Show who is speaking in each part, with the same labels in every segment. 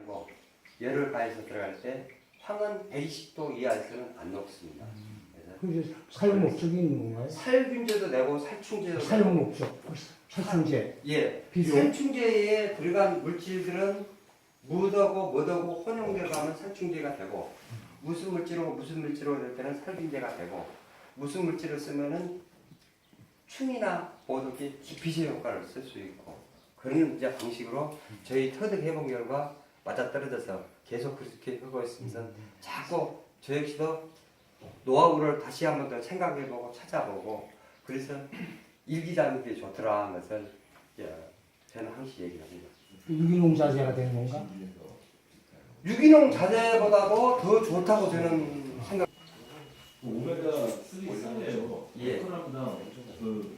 Speaker 1: 가지고 열을 가해서 들어갈 때 황은 120도 이하에서는 안 녹습니다. 그래서
Speaker 2: 그 사용 목적이 있는 건가요?
Speaker 1: 살균제도 내고 살충제도
Speaker 2: 사용 목적, 살충제.
Speaker 1: 예,
Speaker 2: 비료.
Speaker 1: 살충제에 들어간 물질들은 묻하고 혼용되어 가면 살충제가 되고 무슨 물질로 될 때는 살균제가 되고 무슨 물질을 쓰면은 충이나 모독이 기피제 효과를 쓸 수 있고 그런 이제 방식으로 저희 터득 해본 결과 맞아떨어져서 계속 그렇게 하고 있으면서 자꾸 저 역시도 노하우를 다시 한번 더 생각해보고 찾아보고 그래서 일기장는 게 좋더라 하는 것을 저는 항상 얘기를 합니다.
Speaker 2: 유기농 자재가 되는 건가?
Speaker 1: 유기농 자재보다도 더 좋다고 저는 생각.
Speaker 3: 오메가 3 쌀이에요.
Speaker 1: 예.
Speaker 3: 100g당 그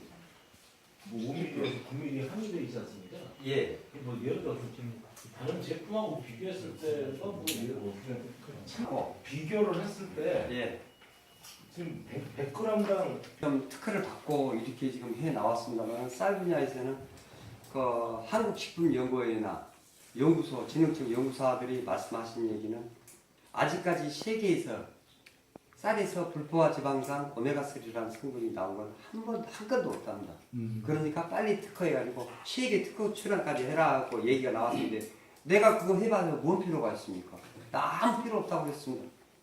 Speaker 3: 5mm에서 9mm 함유되어 있지 않습니까?
Speaker 1: 예.
Speaker 3: 뭐 예를 들어서 지금 다른 제품하고 비교했을 때가 뭐 예를 들어 비교를 했을 때
Speaker 1: 예.
Speaker 3: 지금 100g당
Speaker 1: 좀 특허를 받고 이렇게 지금 해 나왔습니다만 쌀 분야에서는 그 한국식품연구원이나 연구소, 진흥청 연구사들이 말씀하신 얘기는 아직까지 세계에서 쌀에서 불포화 지방산 오메가3라는 성분이 나온 건 한 건도 없답니다. 그러니까 빨리 특허해가지고 세계 특허 출원까지 해라고 얘기가 나왔는데 내가 그거 해봐서 뭔 필요가 있습니까? 나 아무 필요 없다고 그랬습니다.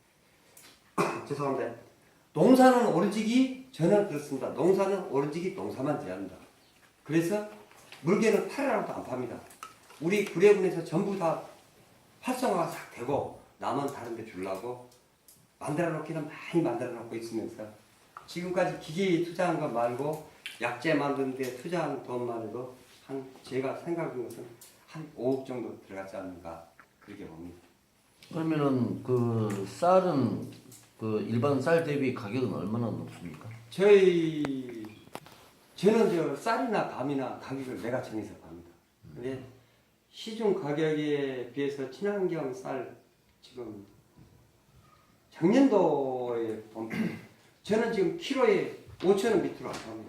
Speaker 1: 죄송합니다. 농사는 오로지기 저는 그렇습니다. 농사는 오로지기 농사만 지어야 한다. 그래서 물개는 팔아라도 안 팝니다. 우리 구례군에서 전부 다 활성화가 싹 되고 남은 다른 데 주려고 만들어 놓기는 많이 만들어 놓고 있으면서 지금까지 기계에 투자한 것 말고 약재 만드는 데 투자한 돈만 해도 한 제가 생각하는 것은 한 5억 정도 들어갔지 않는가 그렇게 봅니다.
Speaker 4: 그러면은 그 쌀은 그 일반 쌀 대비 가격은 얼마나 높습니까?
Speaker 1: 저는 저 쌀이나 밤이나 가격을 내가 정해서 팝니다. 근데 시중 가격에 비해서 친환경 쌀 지금 작년도에 보면 저는 지금 키로에 5,000원 밑으로 안 팝니다.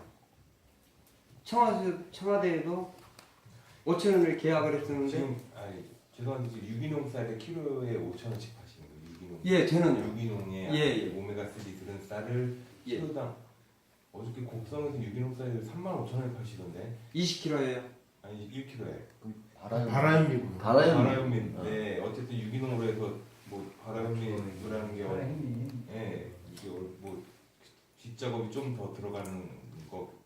Speaker 1: 청와대에도 5,000원을 계약을 했었는데
Speaker 5: 지금 죄송한데 지금 유기농 쌀에 키로에 5,000원씩 파시는 거예요. 유기농.
Speaker 1: 예, 저는요.
Speaker 5: 유기농에
Speaker 1: 예.
Speaker 5: 오메가3 들은 쌀을
Speaker 1: 예.
Speaker 5: 키로당 어저께 곡성에서 유기농 쌀을 35,000원에 파시던데
Speaker 1: 20kg예요.
Speaker 5: 아니 1kg에
Speaker 2: 바라현미군.
Speaker 5: 바라현민. 네, 어쨌든 유기농으로 해서 뭐 바라현민이라는 게
Speaker 2: 바라현미.
Speaker 5: 예, 이게 뭐 뒷작업이 좀 더 들어가는 거